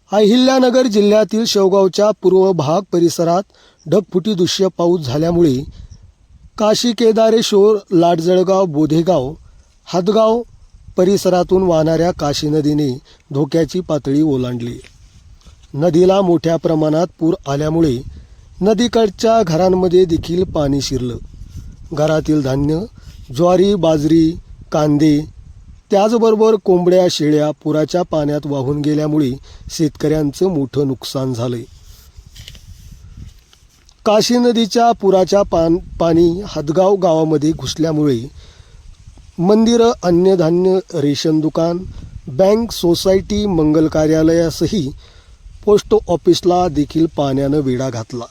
अहिल्यानगर जिल्ह्यातील शेवगावच्या पूर्व भाग परिसरात ढगफुटी दृश्य पाऊस झाल्यामुळे काशी केदारेश्वर लाटजळगाव बोधेगाव हातगाव परिसरातून वाहणाऱ्या काशी नदीने धोक्याची पातळी ओलांडली। नदीला मोठ्या प्रमाणात पूर आल्यामुळे नदीकडच्या घरांमध्ये देखील पाणी शिरलं। घरातील धान्य, ज्वारी, बाजरी, कांदे त्याचबरोबर कोंबड्या, शेळ्या पुराच्या पाण्यात वाहून गेल्यामुळे शेतकऱ्यांचं मोठं नुकसान झालंय। काशी नदीच्या पुराच्या पाणी हातगाव गावामध्ये घुसल्यामुळे मंदिरं, अन्नधान्य, रेशन दुकान, बँक, सोसायटी, मंगल कार्यालयासही पोस्ट ऑफिसला देखील पाण्यानं वेढा घातला।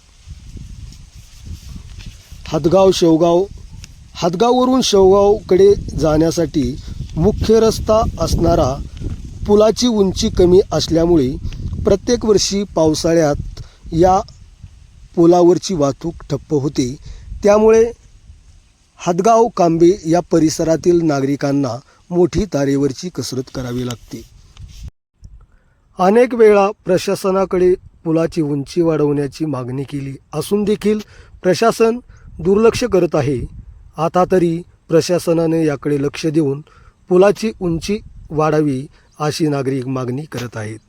हातगाववरून शेवगावकडे जाण्यासाठी मुख्य रस्ता असणारा पुलाची उंची कमी असल्यामुळे प्रत्येक वर्षी पावसाळ्यात या पुलावरची वाहतूक ठप्प होते। त्यामुळे हातगाव कांबे या परिसरातील नागरिकांना मोठी तारेवरची कसरत करावी लागते। अनेक वेळा प्रशासनाकडे पुलाची उंची वाढवण्याची मागणी केली असून देखील प्रशासन दुर्लक्ष करत आहे। आता तरी प्रशासनाने याकडे लक्ष देऊन पुलाची उंची वाढावी अशी नागरिक मागणी करत आहेत।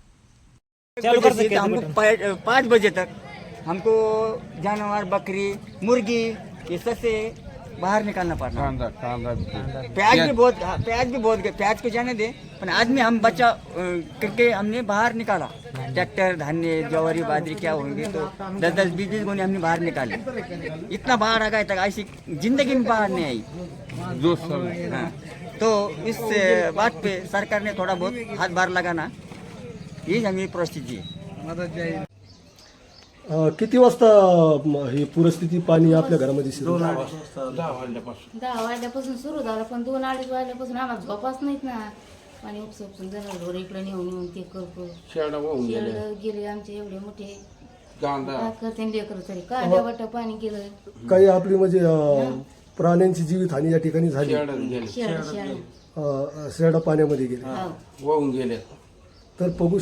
हमको 5 बजे तक हमको जानवर, बकरी, मुर्गी ये सबसे बाहर निकालना पड़ता है। प्याज भी बहुत गए, प्याज को जाने दे, पर आदमी हम बचा करके हमने बाहर निकाला। ट्रैक्टर, धान्य, ज्वारी, बाजरी क्या होंगे तो 10-10, 20-20 गोने हमने बाहर निकाले। इतना बाहर आ गया तक ऐसी जिंदगी में बाहर नहीं आई। हाँ, तो इस बात पे सरकार ने थोड़ा बहुत हाथ लगाना, ये हमें परिस्थिति है। किती वाजता ही पूरस्थिती पाणी आपल्या घरामध्ये शिरलं? 10 वाजल्यापासून सुरू झालं, पण 2-2:30 वाजल्यापासून आम्हाला झोपाच नाहीत ना। पाणी उपसून जनावर इकडे नेऊन ते करतो। शेड गेले आमचे एवढे मोठे, काय करते लेकर तरी काय वाट पाणी गेलं। काही आपली म्हणजे प्राण्यांची जीवितहानी या ठिकाणी झाली। शेळा पाण्यामध्ये गेले, वाहून गेले। तर बघू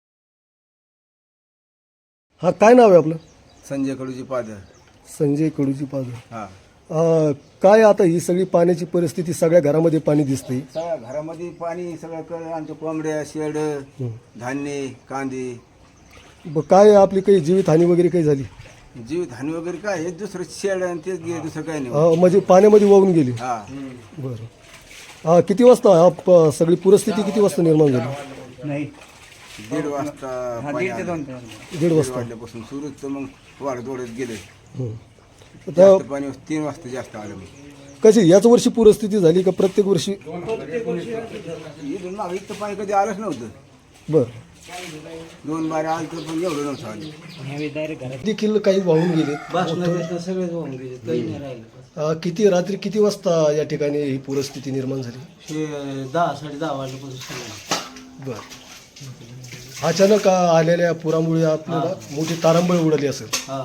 हा काय नाव आहे आपलं? संजय कडूची पादर। संजय कडूची पादर। हा, काय आता ही सगळी पाण्याची परिस्थिती, सगळ्या घरामध्ये पाणी दिसते। सगळ्या घरामध्ये पाणी, सगळं आमच्या कोंबड्या, शेड, धान्य, कांदे। काय आपली काही जीवितहानी वगैरे काही झाली? जीवितहानी वगैरे काय, हे दुसरं शेड आणि तेच गेले, दुसरं काही नाही। म्हणजे पाण्यामध्ये वाहून गेली। हा, बरं, किती वाजता सगळी परिस्थिती किती वाजता निर्माण झाली? नहीं 1:30 वाजता पाणी आलं। 1:30 वाजता वाजल्यापासून सुरूच, तर मग वाढत गेले। आता जास्त पाणी 3 वाजता जास्त आलं। कशी याच वर्षी पूरस्थिती झाली का प्रत्येक वर्षी? इथून मागे इतकं पाणी कधी आलंच नव्हतं। बरं, 2 बारे आलं तर पण एवढं नव्हतं आलं। देखील काही वाहून गेले। सगळेच वाहून गेले, काही नाही राहिलं। रात्री किती वाजता या ठिकाणी ही पूरस्थिती निर्माण झाली? 10-10:30 वाजल्यापासून। बरं, अचानक आलेल्या पुरामुळे आपल्याला मोठी तारांबळ उडाली असेल।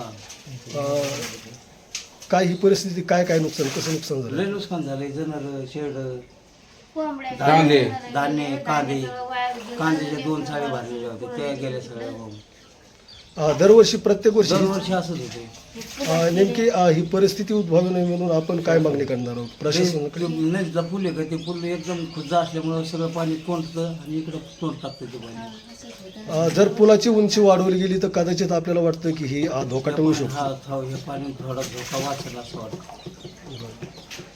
काय ही परिस्थिती, काय नुकसान, कसं नुकसान झालं? लय नुकसान झालंय। जनावर, शेड, धान्य, कांद्याचे 2 चाळी भरलेले होते, त्या गेल्या सगळ्या वाहून। दरवर्षी प्रत्येक वर्षी दरवर्षी असंच होते। नेमकी ही परिस्थिती उद्भवू नये म्हणून आपण काय मागणी करणार आहोत प्रशासनाकडे? नदीचा पूल आहे का, ते पूल एकदम खुद्दा असल्यामुळं सगळं पाणी तोंडतं आणि इकडं तोंड टाकतं ते पाणी। जर पुलाची उंची वाढवली गेली तर कदाचित आपल्याला वाटतं की ही धोका टळू शकतो। हा, हे पाणी थोडा धोका वाचेल असं वाटतं।